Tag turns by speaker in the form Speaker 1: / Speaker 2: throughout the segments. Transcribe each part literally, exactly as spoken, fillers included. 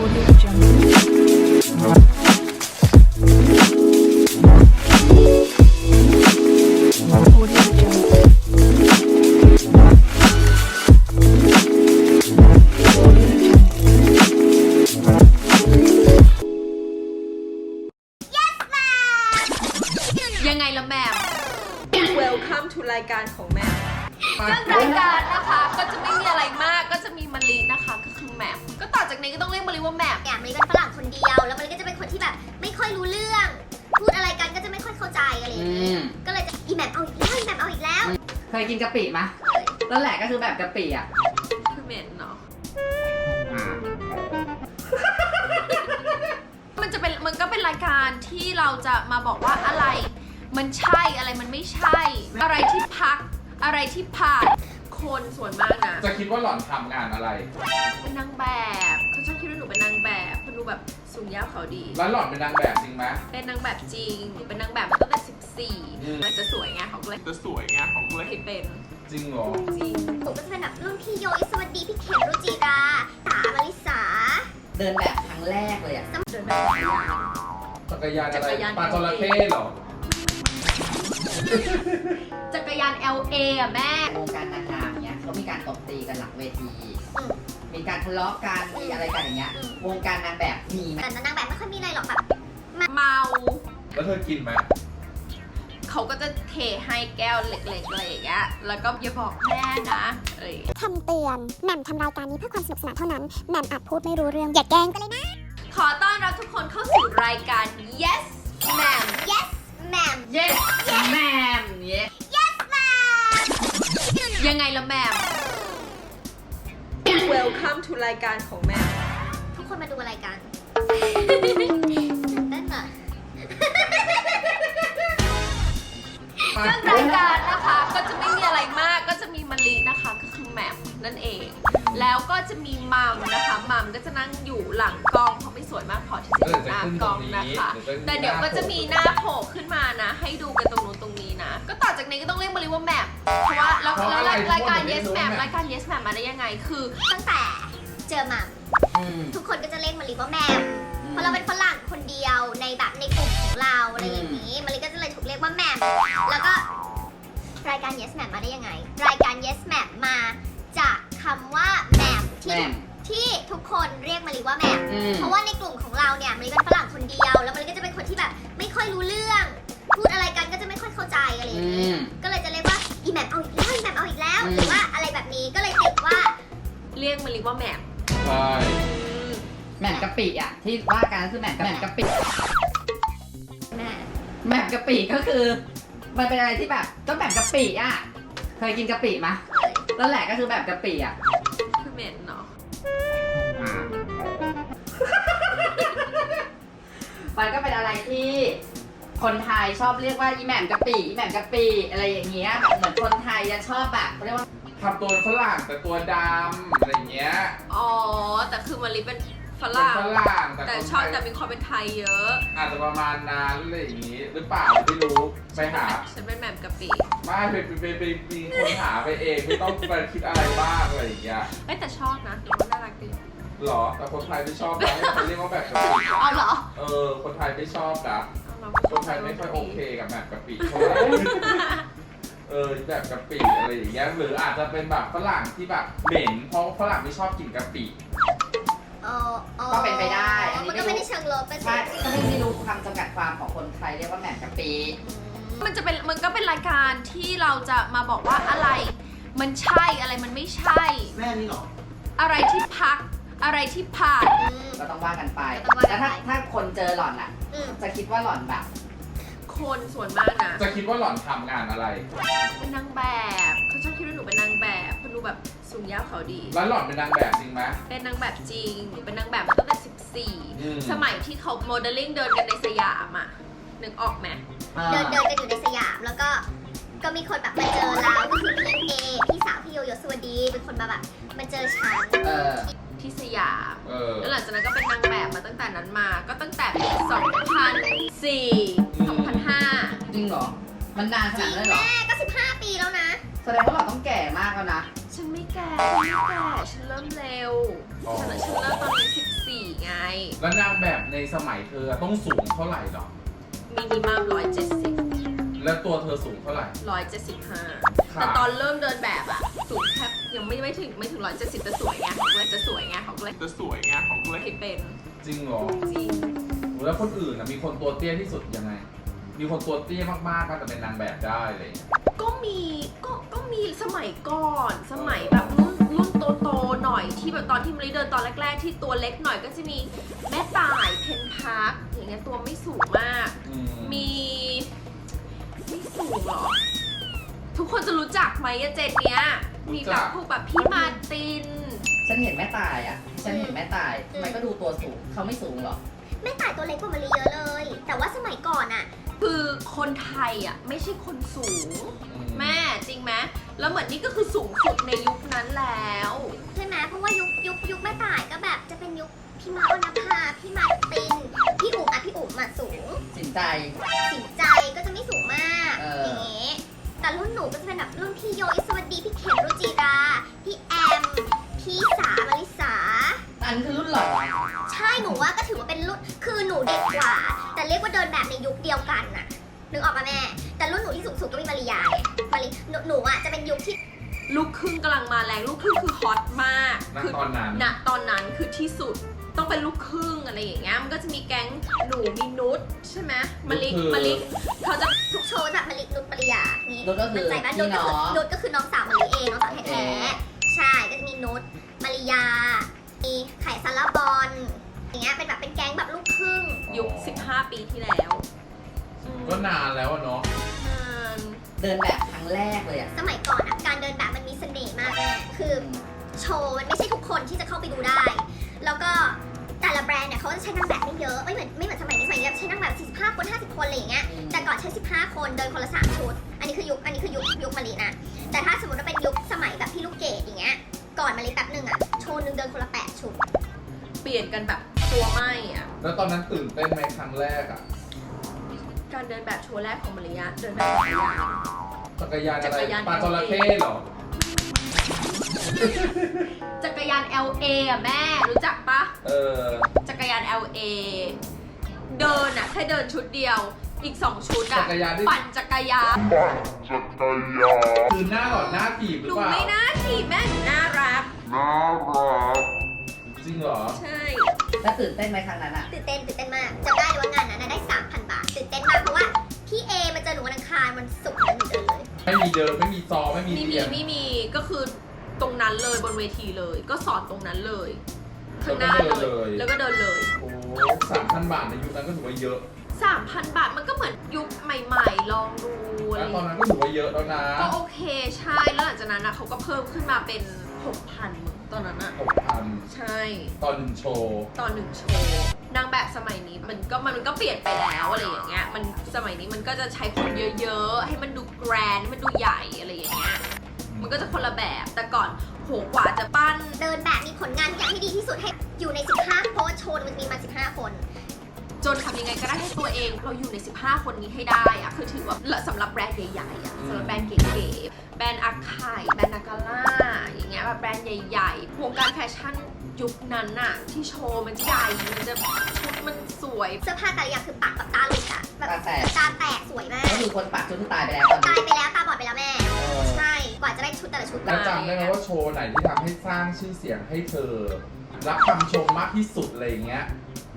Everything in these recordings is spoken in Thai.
Speaker 1: ยังไงล่ะแม่
Speaker 2: Welcome to รายการของแม่
Speaker 1: เรื่องรายการนะคะก็จะไม่มีอะไรมากก็จะมีมะลินะคะก็คือแหม่มก็ต่อจากนี้ก็ต้องเรียกมะลิว่าแหม่ม
Speaker 3: อย่างมะลิเป็นฝรั่งคนเดียวแล้วมะลิก็จะเป็นคนที่แบบไม่ค่อยรู้เรื่องพูดอะไรกันก็จะไม่ค่อยเข้าใจอะไรอย่างนี้ก็เลยจะอีแหม่มเอาอีกแล้วอีแหม่มเอาอีกแล้ว
Speaker 4: เคยกินกะปิไหมนั่นแหละก็คือแบบกะปิอ่ะ
Speaker 1: คือเหม็นเนาะมันจะเป็นมันก็เป็นรายการที่เราจะมาบอกว่าอะไรมันใช่อะไรมันไม่ใช่อะไรที่พักอะไรที่ผ่านคนส่วนมากนะ
Speaker 5: จะคิดว่าหล่อนทำงานอะไร
Speaker 1: เป็นนางแบบเขาชอบคิดว่าหนูเป็นนางแบบเพราะหนูแบบสูงยาวเขาดี
Speaker 5: แล้วหล่อนเป็นนางแบบจริงไหม
Speaker 1: เป็นนางแบบจริงหนูเป็นนางแบบมาตั้งแต่สิบสี่มันจะสวยไงเขาเลย
Speaker 5: จะสวยไงเขาเลย
Speaker 1: ให้เป็น
Speaker 5: จริงเหรอ
Speaker 1: จริง
Speaker 3: หนูก็จะเป็นแบบรุ่นพี่โยยสวัสดีพี่เข็มรุจิราสามาริสา
Speaker 4: เดินแบบครั้งแรกเลยอ่ะ
Speaker 1: เดินแบบ
Speaker 5: จักรยานอะไรปลาจระเข้เหรอ
Speaker 1: จักรยาน แอล เอ อ่ะแม่
Speaker 4: วงการนางงามเนี้ยเขามีการตบตีกันหลังเวทีมีการทะเลาะกันมีอะไรกันอย่างเงี้ยวงการนางแบบมีไหม
Speaker 3: แต่นางแบบไม่ค่อยมีอะไรหรอกแบบ
Speaker 1: เมา
Speaker 5: แล้วเธอกินไหม
Speaker 1: เขาก็จะเทให้แก้วเล็กๆอะไรอย่างเงี้ยแล้วก็อย่าบอกแม่นะเอ้ย
Speaker 3: คำเตือนแหม่มทำรายการนี้เพื่อความสนุกสนานเท่านั้นแหม่มอาจพูดไม่รู้เรื่องอย่าแกล้งกันเลยนะ
Speaker 1: ขอต้อนรับทุกคนเข้าสู่รายการ yes ma'am
Speaker 3: yes ma'am
Speaker 4: yes ma'am
Speaker 3: yes yes ma'am
Speaker 1: ยังไงล่ะแม่
Speaker 2: Welcome to รายการของแม่
Speaker 3: ทุกคนมาดูรายการเต้นเหรอ
Speaker 1: เรื่องรายการนะคะก็จะไม่มีอะไรมากก็จะมีมะลินะคะก็คือแหม่มนั่นเองแล้วก็จะมีมัมนะคะมัมก็จะนั่งอยู่หลังกล้องเพราะไม่สวยมากพอที่จะอยู่หน้ากล้องนะคะแต่เดี๋ยวก็จะมีหน้าโผล่ขึ้นมานะให้ดูกันตรงนู้นตรงนี้นะก็ต่อจากนี้ก็ต้องเรียกมะลิว่าแหม่มเพราะว่าแล้วรายการ yes ma'am รายการ yes ma'am มาได้ยังไงคือ
Speaker 3: ตั้งแต่เจอมัมทุกคนก็จะเรียกมะลิว่าแหม่มเพราะเราเป็นฝรั่งคนเดียวในแบบในกลุ่มของเราอะไรอย่างนี้มะลิก็จะเลยถูกเรียกว่าแหม่มแล้วก็รายการ yes ma'am มาได้ยังไงรายการ yes ma'am มาจากคำว่าแหม่มที่ที่ทุกคนเรียกมะลิว่าแหม่มเพราะว่าในกลุ่มของเราเนี่ยมะลิเป็นฝรั่งคนเดียวแล้วมะลิก็จะเป็นคนที่แบบไม่ค่อยรู้เรื่องพูดอะไรกันก็จะไม่ค่อยเข้าใจอะไรอย่างนี้ก็เลยจะเรียกว่าอีแหม่มเอาอีกแล้วอีแหม่มเอาอีกแล้วหรือว่าอะไรแบบนี้ก็เลยติดว่า
Speaker 1: เรียกมะลิว่าแหม่ม
Speaker 5: ใช่
Speaker 4: แหม่มกะปิอ่ะที่ว่ากันคือแหม่มแหม่มกะปิ
Speaker 3: แม่
Speaker 4: แหม่มกะปิก็คือมันเป็นอะไรที่แบบต้องแหม่มกะปิอ่ะเคยกินกะปิไหมนั่นแหละก็คือแบบกะปิอ่ะ
Speaker 1: คือเหม็นเนาะ
Speaker 4: มันก็เป็นอะไรที่คนไทยชอบเรียกว่าอีแหม่มกะปิอีแหม่มกะปิอะไรอย่างเงี้ยแบบเหมือนคนไทยจะชอบแบบเขาเรียกว่า
Speaker 5: ทำตัวฝรั่งแต่ตัวดำอะไรเงี้ย
Speaker 1: อ๋อแต่คือมะลิเป็นฝรั่งแต่ชอบแต่มีความเป็นไทยเยอะ
Speaker 5: อาจจะประมาณนั้นอะไรอย่างงี้หรือเปล่าไม่รู้ไปหา
Speaker 1: ฉันเป็นแหม่มกะปิ
Speaker 5: ไม่ไปไปไปมีคนหาไปเองไม่ต้องไปคิดอะไรบ้างอะไรอย่างเงี้ย
Speaker 1: เอ้แต่ชอบนะดูว่าน่ารักดี
Speaker 5: หรอแต่คนไทยไม่ชอบนะเขาเรียกว่าแบบกะปิ
Speaker 1: อ๋อเหรอ
Speaker 5: เออคนไทยไม่ชอบนะคนไทยไม่ค่อยโอเคกับแบบกะปิเท่าไหร่เออแบบกะปิอะไรอย่างเงี้ยหรืออาจจะเป็นแบบฝรั่งที่แบบเหม็นเพราะฝรั่งไม่ชอบกินกะปิ
Speaker 4: ก็เป็นไปได้
Speaker 3: อันนี้ก็ไม่ได้เชิงลบไป
Speaker 4: ใช่ก็ไม่รู้คำจำกัดความของคนไทยเรียกว่าแหม่มกะปิ
Speaker 1: มันจะเป็นมันก็เป็นรายการที่เราจะมาบอกว่าอะไรมันใช่อะไรมันไม่ใช่
Speaker 5: แม่นี่หรอ
Speaker 1: อะไรที่พักอะไรที่ผ่าน
Speaker 4: ก็ต้องว่ากันไปแล้วถ้าถ้าคนเจอหล่อนอ่ะจะคิดว่าหล่อนแบบ
Speaker 1: คนส่วนมากนะ
Speaker 5: จะคิดว่าหล่อนทำงานอะไร
Speaker 1: เป็นนางแบบเขาชอบคิดว่าหนูเป็นนางแบบเพราะหนูแบบสูงยาวเขาดี
Speaker 5: แล้วหล่อนเป็นนางแบบจริงไหม
Speaker 1: เป็นนางแบบจริงหนูเป็นนางแบบมาตั้งแต่สิบสี่สมัยที่เขาโมเดลลิ่งเดินกันในสยามอ่ะนึกออกไหม
Speaker 3: เดินเดินกันอยู่ในสยามแล้วก็ก็มีคนแบบมาเจอเราก็คือพี่เอพี่สาวพี่โยโยสวัสดีเป็นคนมาแบบมาเจอฉัน
Speaker 1: ที่สยามแล้วหลังจากนั้นก็เป็นนางแบบมาตั้งแต่นั้นมาก็ตั้งแต่ปีสองพันสี่ สองพันห้า
Speaker 4: จริงเหรอมันนานขนาดนั้นเหรอ
Speaker 3: แม่ก็สิบห้าปีแล้วนะ
Speaker 4: แสดงว่าเราต้องแก่มากแล้วนะ
Speaker 1: ฉันไม่แก่ฉันไม่แก่ฉันเริ่มเร็วฉันฉันเริ่มตอนนี้สิบสี่ไง
Speaker 5: แล้วนางแบบในสมัยเธอต้องสูงเท่าไหร่หรอ
Speaker 1: มินิมัมร้อยเจ็ดสิบ
Speaker 5: แล้วตัวเธอสูงเท่าไหร่
Speaker 1: ร้อยเจ็ดสิบห้า
Speaker 5: ค่ะ
Speaker 1: แต่ตอนเริ่มเดินแบบอะสูงแค่ยังไม่ไม่ถึงไม่ถึงร้อยเจ็ดสิบแต่สวยไงเขาก็เลยจะสวยไงเขาก็เลย
Speaker 5: จะสวยไงของเลย
Speaker 1: ให้เป็น
Speaker 5: จริงเหรอ
Speaker 1: จริง
Speaker 5: แล้วคนอื่นนะมีคนตัวเตี้ยที่สุดยังไง มีคนตัวเตี้ยมากๆก็จะเป็นนางแบบได้อะไรอย่างเลย
Speaker 1: ก็มีก็ก็มีสมัยก่อนสมัยแบบรุ่นรุ่นโตๆหน่อยที่แบบตอนที่มะลิเดินตอนแรกๆ ที่ตัวเล็กหน่อยก็จะมีแม่ต่ายเพนพักอย่างเงี้ยตัวไม่สูงมาก
Speaker 5: อืม
Speaker 1: มีไม่สูงเหรอ ทุกคนจะรู้จักไหมอะเจนเนี้ย มีแบบพวกแบบพี่มาร์ติน
Speaker 4: ฉันเห็นแม่ตายอ่ะ ฉันเห็นแม่ตายทำไมก็ดูตัวสูง เขาไม่สูงหรอ
Speaker 3: แม่ต่ายตัวเล็กกว่ามะลิเยอะเลย แต่ว่าสมัยก่อนอะ
Speaker 1: คือคนไทยอ่ะไม่ใช่คนสูง
Speaker 5: อื
Speaker 1: แม่จริงไหมแล้วเหมือนนี่ก็คือสูงสุดในยุคนั้นแล้ว
Speaker 3: ใช่ไหมเพราะว่ายุคยุคยุคแม่ต่ายก็แบบจะเป็นยุคพี่มาร์นภาพี่มาร์ติน พี่อุ๋มอะพี่อุ๋มอะสูง
Speaker 4: สินใจ
Speaker 3: สินใจก็จะไม่สูงมาก
Speaker 4: เออ
Speaker 3: อ
Speaker 4: อ
Speaker 3: ย่างเงี้ยแต่รุ่นหนูก็จะเป็นแบบรุ่นพี่โยยสวัสดีพี่เข็มรุจิรา พี่แอม พี่สามาริสา
Speaker 4: อันคือรุ่นหล่อ
Speaker 3: ใช่หนูว่าก็ถือว่าเป็นรุ่นคือหนูเด็กกว่า แต่เรียกว่าเดินแบบในยุคเดียวกันน่ะนึกออกปะแม่ แต่รุ่นหนูที่สูงสุดก็มีมาริยาไงมาริหนูหนูอ่ะจะเป็นยุคที่
Speaker 1: ลูกครึ่งกำลังมาแรงลูกครึ่งคือฮอตมาก
Speaker 5: ณ
Speaker 1: คื
Speaker 5: ตอนนั้น
Speaker 1: ณตอนนั้นคือที่สุดต้องเป็นลูกครึ่งอะไรอย่างเงี้ยมันก็จะมีแก๊งหนูมีนุชใช่ไหมมะลิมะลิเขาจะ
Speaker 3: ทุกโชว์แบบมารินุชมาริยานี่
Speaker 4: นุชก็คือ
Speaker 3: ใจปะ
Speaker 4: พี่
Speaker 3: นุชก็
Speaker 4: น้
Speaker 3: คือ
Speaker 4: อง
Speaker 3: นุชก็คือน้องสาวมาริเองน้องสาวแท้ๆใช่ก็จะมีนุชมาริยา มีไข่ซาลาบอลอย่างเงี้ยเป็นแบบเป็นแก๊งแบบลูกครึ่ง
Speaker 1: ยุคสิบห้าปีที่แล้วอืม
Speaker 5: ก็นานแล้วอะเนาะ
Speaker 1: นาน
Speaker 4: เดินแบบครั้งแรกเลยอ่ะ
Speaker 3: สมัยก่อนอะการเดินแบบมันมีเสน่ห์มากแม่คือโชว์มันไม่ใช่ทุกคนที่จะเข้าไปดูได้ แล้วก็แต่ละแบรนด์เนี่ยเขาจะใช้นางแบบไม่เยอะไม่เหมือนไม่เหมือนสมัยนี้สมัยนี้ใช้นางแบบสี่สิบห้าคนห้าสิบคนอะไรอย่างเงี้ย
Speaker 4: อืม
Speaker 3: แต่ก่อนใช้สิบห้าคนเดินคนละสามชุด อันนี้คือยุคอันนี้คือยุคยุคมารีนะ แต่ถ้าสมมติว่าเป็นยุคสมัยแบบพี่ลูกเกดอย่างเงี้ยก่อนมารีแป๊บหนึ่งอะโชว์หนึ่งเดินคนละแปดชุด
Speaker 1: เปลี่ยนกันแบบตัวไหมอ่ะ
Speaker 5: แล้วตอนนั้นตื่นเต้นไหมครั้งแรกอะ
Speaker 1: การเดินแบบโชว์แรกของมาริยาเดินแบบจักรยาน
Speaker 5: จักรยานอะไร
Speaker 1: จักรยาน
Speaker 5: ปลาจระเข้เหรอ
Speaker 1: จักรยาน แอล เอ อ่ะแม่รู้จักปะ
Speaker 5: เออ
Speaker 1: จักรยาน แอล เอ เดินอ่ะแค่เดินชุดเดียวอีกสองชุดอ่ะ
Speaker 5: จักรยานที่
Speaker 1: ปั่นจักรยาน
Speaker 5: คือหน้าหลอดหน้าถีบห
Speaker 1: ห
Speaker 5: รือ
Speaker 1: นู
Speaker 5: เปล่า
Speaker 1: ไม่น่าถีบแม่หนูน่ารัก
Speaker 5: จริงเหรอ
Speaker 1: ใช่
Speaker 4: แล้วตื่นเต้นไหมครั้งนั้นอ่ะ
Speaker 3: ตื่นเต้นตื่นเต้นมากจำได้เลยว่างานนั้นนะได้ สามพัน บาทตื่นเต้นมากเพราะว่าพี่เอมาเจอหนูวันอังคารวันศุกร์นั้นหนูเดินเลย
Speaker 5: ไม่มีเดินไม่มีซอไม่มี
Speaker 1: ไม่มี
Speaker 5: เรียน
Speaker 1: ไม่มีก็คือตรงนั้นเลยบนเวทีเลย ก็สอนตรงนั้นเลยข้างหน้า
Speaker 5: แล้วก็เดิน
Speaker 1: เล
Speaker 5: เลย ย
Speaker 1: แล้วก็เดินเลย
Speaker 5: โอ้สามพันบาทในยุคนั้นก็ถือว่าเยอะ
Speaker 1: สามพัน บาทมันก็เหมือนยุคใหม่ๆ ลองดูอะไร
Speaker 5: แล้ว
Speaker 1: อ
Speaker 5: ตอน
Speaker 1: ย่าง
Speaker 5: นั้
Speaker 1: เงี้ย
Speaker 5: นก็ถือว่าเยอะแล้วนะ
Speaker 1: ก็โอเคใช่แล้วหลังจากนั้นนะเขาก็เพิ่มขึ้นมาเป็น หกพัน มึงตอนนั้นอะ
Speaker 5: หกพัน
Speaker 1: ใช่
Speaker 5: ตอนหนึ่งโชว์
Speaker 1: ตอนหนึ่งโชว์นางแบบสมัยนี้มันก็มันก็เปลี่ยนไปแล้วอะไรอย่างเงี้ยมันสมัยนี้มันก็จะใช้คนเยอะๆ ให้มันดูแกรนด์ให้มันดูใหญ่อะไรอย่างเงี้ยมันก็จะคนละแบบแต่ก่อนโหกว่าจะปั้น
Speaker 3: เดินแบบมีผลงานทุกอย่างที่ดีที่สุดให้อยู่ใน สิบห้า เพราะว่าโชว์มันมีมา สิบห้า คน
Speaker 1: จนทำยังไงก็ได้ให้ตัวเองเราอยู่ใน สิบห้า คนนี้ให้ได้อะคือถือว่าสำหรับแบรนด์ใหญ่ๆอะสำหรับแบรนด์เก๋ๆแบรนด์อาคายแบรนด์นากาล่าอย่างเงี้ยแบบแบรนด์ใหญ่ๆวงการแฟชั่นยุคนั้นอะที่โชว์มันจะใหญ่มันจะชุดมันสวย
Speaker 3: เสื้อผ้าแต่ละอย่างคือปากแบบตาหลุดอะแบบ
Speaker 4: ตาแตก
Speaker 3: ตาแตกสวยมาก
Speaker 4: ก็คือคนปากชุดที่ตายไปแล้วตอน
Speaker 3: ตา
Speaker 4: นี้
Speaker 3: ยไปแล้วตาบอดไปแล้วแม่
Speaker 5: เออ
Speaker 3: ใช่ กว่าจะได้ชุดแต่ละชุด
Speaker 5: แล้วจำได้ไหมว่าโชว์ไหนที่ทำให้สร้างชื่อเสียงให้เธอ รับคำชมมากที่สุดอะไรอย่างเงี้ย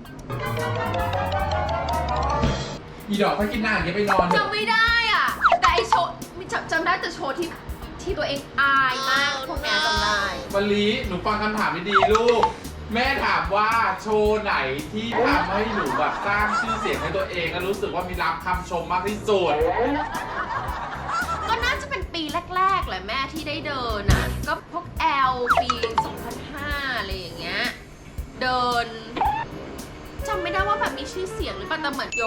Speaker 5: อีดอกถ้ากินหน้าอย่างเงี้ยไปนอนเถอะ
Speaker 1: จำไม่ได้อ่ะ แต่ไอโชว์จำจำได้แต่โชว์ที่ที่ตัวเองอายมากพวกเนี้ยจำได้
Speaker 5: มะลิหนูฟังคำถามดีๆลูก แม่ถามว่าโชว์ไหนที่ทำให้หนูแบบสร้างชื่อเสียงให้ตัวเองและรู้สึกว่ามีรับคำชมมากที่สุด
Speaker 1: ก็น่าจะเป็นปีแรกๆแหละแม่ที่ได้เดินอ่ะ ก็พวกแอลปีสองพันห้าอะไรอย่างเงี้ย เดินจำไม่ได้ว่าแบบมีชื่อเสียงหรือเปล่าแต่เหมือนยก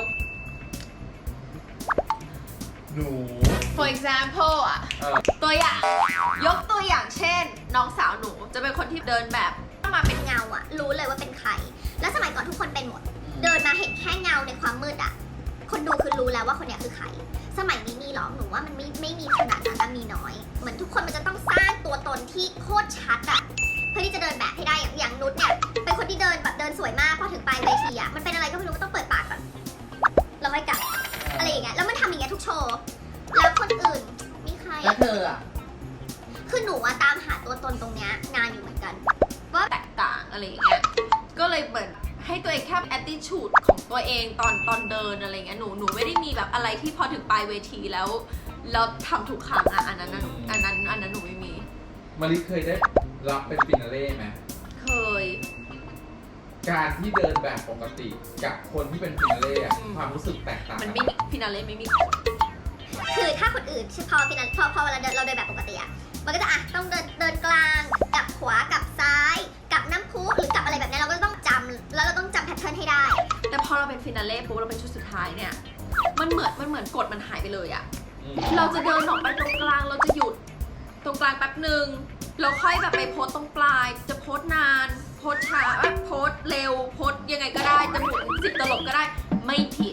Speaker 5: หนู
Speaker 1: for example อ่ะ
Speaker 5: เออ
Speaker 1: ตัวอย่าง ยกตัวอย่างเช่น น้องสาวหนูจะเป็นคนที่เดินแบบ
Speaker 3: มาเป็นเงาอะรู้เลยว่าเป็นใคร แล้วสมัยก่อนทุกคนเป็นหมด เดินมาเห็นแค่เงาในความมืดอะคนดูคือรู้แล้วว่าคนเนี้ยคือใคร สมัยนี้มีหรอหนูว่ามันไม่ไม่มีขนาดนั้นอะมีน้อย เหมือนทุกคนมันจะต้องสร้างตัวตนที่โคตรชัดอะเพื่อที่จะเดินแบบให้ได้อย่างอย่างนุชเนี่ยเป็นคนที่เดินแบบเดินสวยมากพอถึงปลายายเวทีอะมันเป็นอะไรก็ไม่รู้ก็ต้องเปิดปากก่อนแล้วค่อยกลับอะไรอย่างเงี้ยแล้วมันทำอย่างเงี้ยทุกโชว์แล้วคนอื่นมีใคร
Speaker 4: แล้วเธออ่ะ
Speaker 3: คือหนูอะตามหาตัวตนตรงเนี้ยนานอยู่เหมือนกัน
Speaker 1: ว่าแตกต่างอะไรอย่างเงี้ย ก็เลยเหมือนให้ตัวเองแค่ attitude ของตัวเองตอนตอนเดินอะไรเงี้ย หนูหนูไม่ได้มีแบบอะไรที่พอถึงปลายเวทีแล้วเราทำทุกครั้งอ่ะอันนั้นน่ะหนูอันนั้นอันนั้นหนูไม่มี
Speaker 5: มาริเคยได้รับเป็นฟินาเล่ไหม
Speaker 1: เคย
Speaker 5: การที่เดินแบบปกติกับคนที่เป็นฟินาเล่อะ
Speaker 1: อืม
Speaker 5: ความรู้สึกแตกต่าง
Speaker 1: มัน
Speaker 5: กัน
Speaker 1: ไม่มีฟินาเล่ไม่มีผล
Speaker 3: คือถ้าคนอื่นพอเป็นพอพอเวลาเดินเราเดินแบบปกติอะมันก็จะอ่ะต้องเดินเดินกลางกลับขวากลับซ้ายกลับน้ำพุหรือกลับอะไรแบบนี้เราก็ต้องจำแล้วเราต้องจำแพทเทิร์นให้ได้
Speaker 1: แต่พอเราเป็นฟินาเล่ปุ๊บเราเป็นชุดสุดท้ายเนี่ย มันเหมือนมันเหมือนกฎมันหายไปเลยอะ
Speaker 5: อืม
Speaker 1: เราจะเดินออกไปตรงกลางเราจะหยุดตรงกลางแป๊บหนึ่งเราค่อยแบบไปโพสตรงปลาย จะโพสนาน โพสช้าโพสเร็วโพสยังไงก็ได้จะหมุนสิบตลบก็ได้ไม่ผิด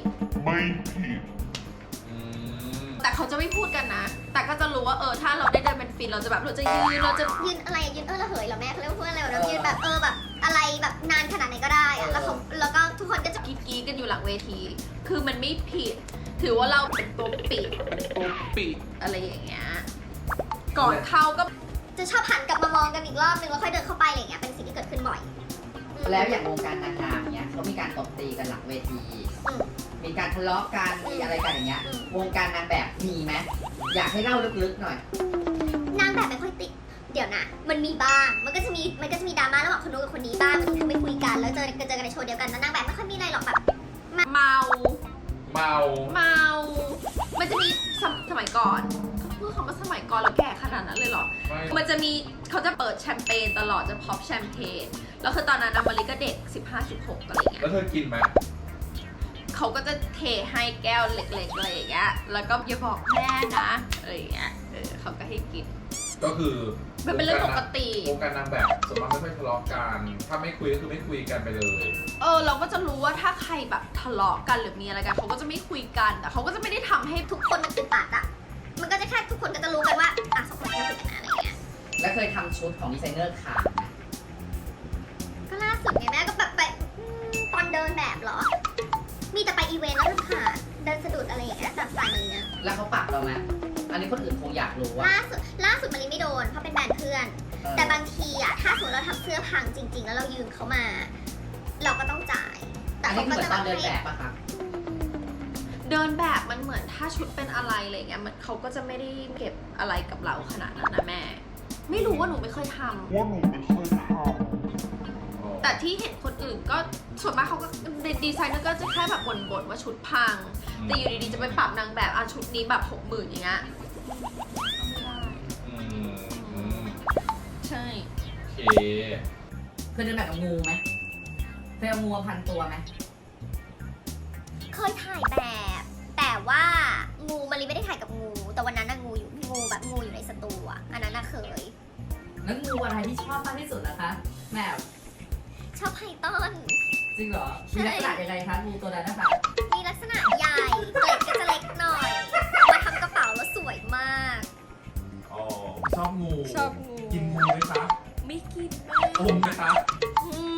Speaker 5: อืม
Speaker 1: แต่เขาจะไม่พูดกันนะ แต่ก็จะรู้ว่าเออถ้าเราได้เดินเป็นฟินเราจะแบบเราจะยืนเราจะ
Speaker 3: ยืนอะไรยืนเออระเหยเหรอแม่เขาเรียกว่าพูดอะไรวะยืนแบบเออแบบอะไรแบบนานขนาดไหนก็ได้อะแล้วเขาแล้วก็ทุกคนก็จะ
Speaker 1: กรีดกรีดกันอยู่หลังเวที คือมันไม่ผิด ถือว่าเราเป็นตัวปิดตัวปิดอะไรอย่างเงี้ยก่อนเข้าก็
Speaker 3: จะชอบหันกลับมามองกันอีกรอบนึงแล้วค่อยเดินเข้าไปอะไรอย่างเงี้ยเป็นสิ่งที่เกิดขึ้นบ่อย
Speaker 4: แล้วอย่างวงการนางงามเนี้ยเขามีการตบตีกันหลังเวที
Speaker 3: อืม
Speaker 4: มีการทะเลาะกันมีอะไรกันอย่างเงี้ย
Speaker 3: อืม
Speaker 4: วงการนางแบบมีไหมอยากให้เล่าลึกๆหน่อย
Speaker 3: นางแบบไม่ค่อยติดเดี๋ยวนะ มันมีบ้างมันก็จะมีมันก็จะมีดราม่าระหว่างคนนู้นกับคนนี้บ้างบางทีทำไม่คุยกันแล้วเจอเจอกันในโชว์เดียวกันแล้วนางแบบไม่ค่อยมีอะไรหรอกแบบ
Speaker 1: เมา
Speaker 5: เมา
Speaker 1: เมา มันจะมีสมสมัยก่อนพูดคำว่าสมัยก่อนเราแก่ขนาดนั้นเลยเหรอ
Speaker 5: ไม่
Speaker 1: มันจะมีเขาจะเปิดแชมเปญตลอดจะพอปแชมเปญแล้วคือตอนนั้นนะมาริก็เด็ก สิบห้า สิบหก อะไรอย่างเงี้
Speaker 5: แล้ว
Speaker 1: ย
Speaker 5: เธอกินไหม
Speaker 1: เขาก็จะเทให้แก้วเล็กๆอะไรอย่างเงี้ยแล้วก็อย่าบอกแม่นะอะไรอย่างเงี้ยเออเขาก็ให้กิน
Speaker 5: ก็คือ
Speaker 1: มันเป็นเรื่องปกติ
Speaker 5: วงการนางแบบส่วนมากไม่ค่อยทะเลาะกัน ถ้าไม่คุยก็คือไม่คุยกันไปเลย
Speaker 1: เออเราก็จะรู้ว่าถ้าใครแบบทะเลาะกันหรือมีอะไรกันเขาก็จะไม่คุยกันแต่เขาก็จะไม่ได้ทำให้
Speaker 3: ทุกคนมันอึดอัดอะมันก็จะแค่ทุกคนก็จะรู้กันว่าอ่ะสองคนนี้คุยกันนะอะไรเงี้ย
Speaker 4: แล้วเคยทำชุดของดีไซเนอร์ขาดไหม
Speaker 3: ก็ล่าสุดไงแม่ก็แบบไปอืมตอนเดินแบบเหรอ มีแต่ไปอีเวนต์แล้วค่ะ เดินสะดุดอะไรอย่างเงี้ยตามสไตล์นี้นะ
Speaker 4: แล้วเขาปรับเราไหมอันนี้คนอื่นคงอยากรู้ว่า
Speaker 3: ล่าสุดล่าสุดมาริไม่โดนเพราะเป็นแบรนด์เพื่อน
Speaker 4: เออ
Speaker 3: แต่บางทีอะถ้าสมมติเราทำเสื้อพังจริง ๆ แล้วเรายืมเขามา เราก็ต้องจ่าย แต่
Speaker 4: อัน
Speaker 3: เขา
Speaker 4: นี้เห
Speaker 3: ก็
Speaker 4: มือน
Speaker 3: จะ
Speaker 4: ตอน
Speaker 3: มา
Speaker 4: เดิน
Speaker 3: ให้
Speaker 4: แบบอะคะ
Speaker 1: เดินแบบมันเหมือนถ้าชุดเป็นอะไรอะไรเงี้ยมันเขาก็จะไม่ได้เก็บอะไรกับเราขนาดนั้นนะแม่ ไม่รู้ว่าหนูไม่เคยทำ
Speaker 6: ว่าหนูไม่เคยทำ
Speaker 1: แต่ที่เห็นคนอื่นก็ส่วนมากเขาก็ดีไซเนอร์ก็จะแค่แบบบ่นๆว่าชุดพัง แต่อยู่ดีๆจะไปปรับนางแบบอ่ะชุดนี้แบบหกหมื่นอย่างเงี้ยไม่ได้
Speaker 5: อืมอืม
Speaker 1: ใช่
Speaker 5: โอเค
Speaker 4: เคยเดินแบบกับงูไหมเคยเอางูมาพันตัวไหม
Speaker 3: เคยถ่ายแบบ แต่ว่างูมาริไม่ได้ถ่ายกับงู แต่วันนั้นน่ะงูอยู่งูแบบงูอยู่ในสตูอะอันนั้นน่ะเคย
Speaker 4: แล้วงูอะไรที่ชอบมากที่สุดนะคะแม่
Speaker 3: ชอบไพทอน
Speaker 4: จริงเหรอมีลักษณะยังไงคะงูตัวนั้นนะคะ
Speaker 3: มีลักษณะใหญ่เกล็ดก็จะเล็กหน่อยเอามาทำกระเป๋าแล้วสวยมาก
Speaker 5: อ๋อ ชอบงู
Speaker 1: ชอบงู
Speaker 5: กินงูไหมคะ
Speaker 1: ไม่กิน
Speaker 5: อมไหมคะ
Speaker 1: อืม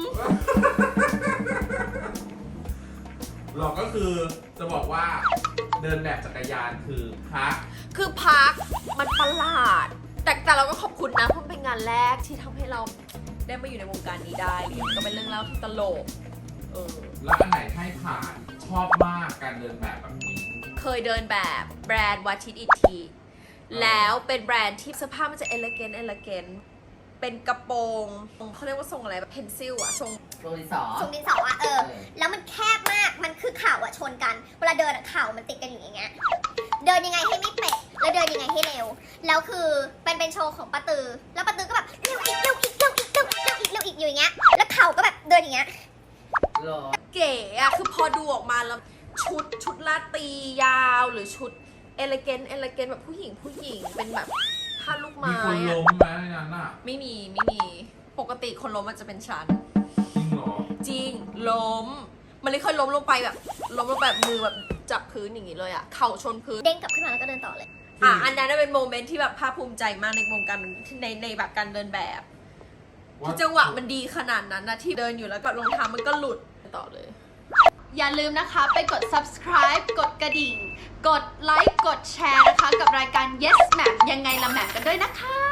Speaker 5: หรอกก็คือจะบอกว่าเดินแบบจักรยานคือพัก
Speaker 1: คือพักมันประหลาด แต่แต่เราก็ขอบคุณนะเพราะมันเป็นงานแรกที่ทำให้เราได้มาอยู่ในวงการนี้ได้เลยก็เป็นเรื่องเล่าที่ตลกเออ
Speaker 5: แล้วอันไหนให้ผ่านชอบมากการเดินแบบแบบนี้
Speaker 1: เคยเดินแบบแบรนด์วัชิตอีทีแล้วเป็นแบรนด์ที่เสื้อผ้ามันจะเอลเกนเอลเกนเป็นกระโปรงเขาเรียกว่าทรงอะไรแบบเพนซิลอะทรง
Speaker 4: โรลิสอ
Speaker 3: ทรงดินสออะเออ แล้วมันแคบมาก มันคือเข่าอะชนกัน เวลาเดินอะเข่ามันติดกันอยู่อย่างเงี้ย เดินยังไงให้ไม่เป๊ะ แล้วเดินยังไงให้เร็ว แล้วคือเป็นเป็นโชว์ของป้าตือ แล้วป้าตือก็แบบเร็วอีกเร็วอีกเร็วอีกเร็วอีกเร็วอีกเร็วอีกอยู่อย่างเงี้ย แล้วเข่าก็แบบเดินอย่างเงี้ย
Speaker 4: หรอ
Speaker 1: เก๋อะคือพอดูออกมาแล้วชุดชุดลาตรียาวหรือชุดเอลเกนเอลเกนแบบผู้หญิงผู้หญิงเป็นแบบผ้าลูก
Speaker 5: มี
Speaker 1: ไม้
Speaker 5: คน
Speaker 1: อะ
Speaker 5: ล้มไหมในนั้นน่ะ
Speaker 1: ไม่มีไม่มีปกติคนล้มมันจะเป็นชั้น
Speaker 5: จริงเหรอ
Speaker 1: จริงล้มมันเลยเคยล้มลงไปแบบล้มลงแบบมือแบบจับพื้นอย่างนี้เลยอะเข่าชนพื้น
Speaker 3: เด้งกลับขึ้นมาแล้วก็เดินต่อเลย
Speaker 1: อ่ะอันนั้นนะเป็นโมเมนต์ที่แบบภาคภูมิใจมากในวงการในในแบบการเดินแบบ
Speaker 5: ว่า
Speaker 1: ที่จังหวะมันดีขนาดนั้นนะที่เดินอยู่แล้วก็รองเท้ามันก็หลุดต่อเลย อย่าลืมนะคะไปกด subscribe กดกระดิ่ง กดไลค์ กดแชร์นะคะ กับรายการ Yes แหม่มยังไงละแหม่มกันด้วยนะคะ